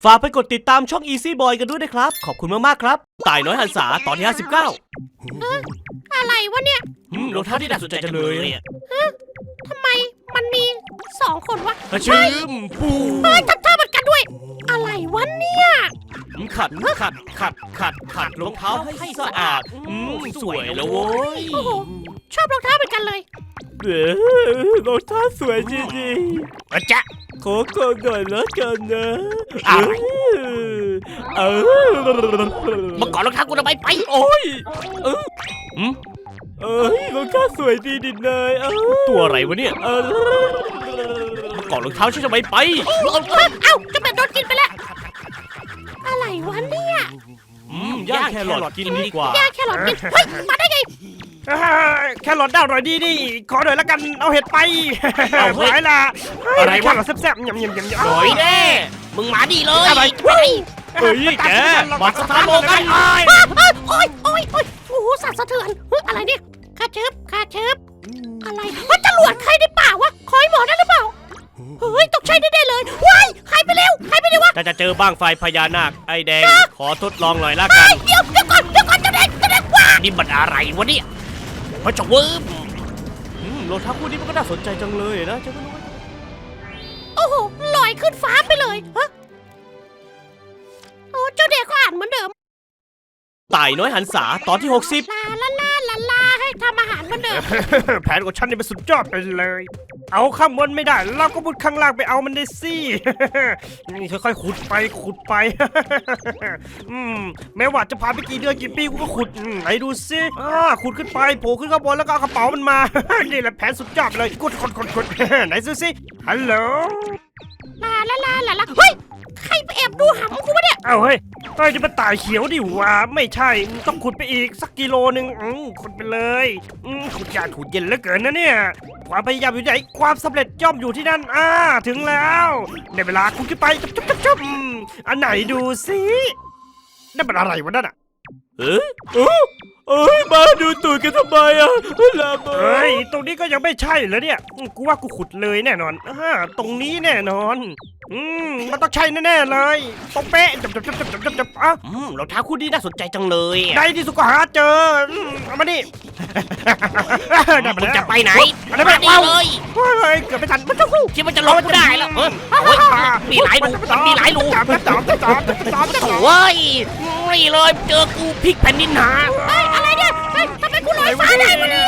ฝากไปกดติดตามช่อง Easy Boy กันด้วยนะครับขอบคุณมากๆครับตายน้อยหันษาตอนที่59 อะไรวะเนี่ยรองเท้าที่น่าสนใจจังเลยทำไมมันมี2 คนวะชื่อปูทำท่าเหมือนกันด้วยอะไรวะเนี่ยขัดรองเท้าให้สะอาดสวยแล้วโว้ยโอ้โหชอบรองเท้าเหมือนกันเลยรองเท้าสวยจริงๆจ๊ะขอก่อนหน่อยแล้วกันนะอะไรมาก่อนรองเท้ากูทำไมไปโอ้ยรองเท้าสวยดีดินายตัวอะไรวะเนี่ยมาก่อนรองเท้าฉันทำไมไปเอ้าจะเป็นโดนกินไปแล้วอะไรวะเนี่ยย่างแครอทกินดีกว่าย่างแครอทกินเฮ้ยมาได้ไงแครอทได้อร่อยดีดิขอหน่อยละกันเอาเห็ดไปหายละอะไรวะแครอทแซ่บๆยำหน่อยแน่มึงมาดีเลยอะไรเฮ้ยแกมาสถานโลกันโอ้ยโอ้โหสั่นสะเทือนอะไรเนี่ยข้าเชิบอะไรจรวดใครในป่าวะคอยหมอนั่นหรือเปล่าเฮ้ยตกใจแน่ๆเลยว้ายใครไปเร็ววะถ้าจะเจอบ้างไฟพญานาคไอ้แดงขอทดลองหน่อยละกันเดี๋ยวก่อนเจ้าแดงว้านี่มันอะไรวะเนี่ยพระเจ้าเวิร์มรองเท้าคู่นี้มันก็น่าสนใจจังเลยนะเจ้าก็รู้โอ้โหลอยขึ้นฟ้าไปเลยฮะโอ้เจ้าเด็กก็อ่านเหมือนเดิมตายน้อยหันษาตอนที่60 ลาให้ทำอาหารเหมือนเดิมแผนของฉันนี่เป็นสุดยอดไปเลยเอาข้างบนไม่ได้เราก็มุดข้างล่างไปเอามันได้สินี่ค่อยๆขุดไปแม้ว่าจะผ่านไปกี่เดือนกี่ปีกูก็ขุดไหนดูสิขุดขึ้นไปโผล่ขึ้นข้างบนแล้วก็เอากระเป๋ามันมานี่แหละแผนสุดยอดเลยขุดไหนสิฮัลโหลลาเฮ้ยใครไปแอบดูหำกูวะเนี่ยเฮ้ยจะมาตายเขียวดิวะไม่ใช่ต้องขุดไปอีกสักกิโลนึงขุดไปเลยขุดยากขุดเย็นเหลือเกินนะเนี่ยความพยายามอยู่ไหนความสำเร็จย่อมอยู่ที่นั่นถึงแล้วในเวลาขุดขึ้นไปจุ๊บอันไหนดูสินั่นเป็นอะไรวะนั่นมาดูตูดกันทำไมตรงนี้ก็ยังไม่ใช่เหรอเนี่ยกูว่ากูขุดเลยแน่นอนตรงนี้แน่นอนมันต้องใช่แน่ๆเลยตรงเป๊ะจับรองเท้าคู่นี้น่าสนใจจังเลยในที่สุดก็หาเจอเอามาดิมึงจะไปไหนมาดิเลยเกือบไม่ทันมันจะฟูคิดว่าจะลงกูได้แล้วมีหลายรูโอ้ยนี่เลยเจอกูพลิกแผ่นดินหาอะไรเนี่ยทำไมกูลอยฟ้าได้วะเนี่ย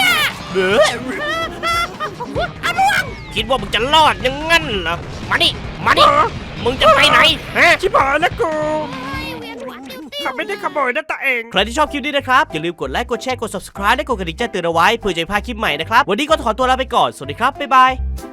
คิดว่ามึงจะรอดยังงั้นเหรอมาดิมึงจะไปไหนชิบหายแล้วกูขับไม่ได้ขโมยนะตัวเองใครที่ชอบคลิปนี้นะครับอย่าลืมกดไลค์กดแชร์กด subscribe และกดกระดิ่งแจ้งเตือนเอาไว้เพื่อจะไม่พลาดคลิปใหม่นะครับวันนี้ก็ขอตัวลาไปก่อนสวัสดีครับบ๊ายบาย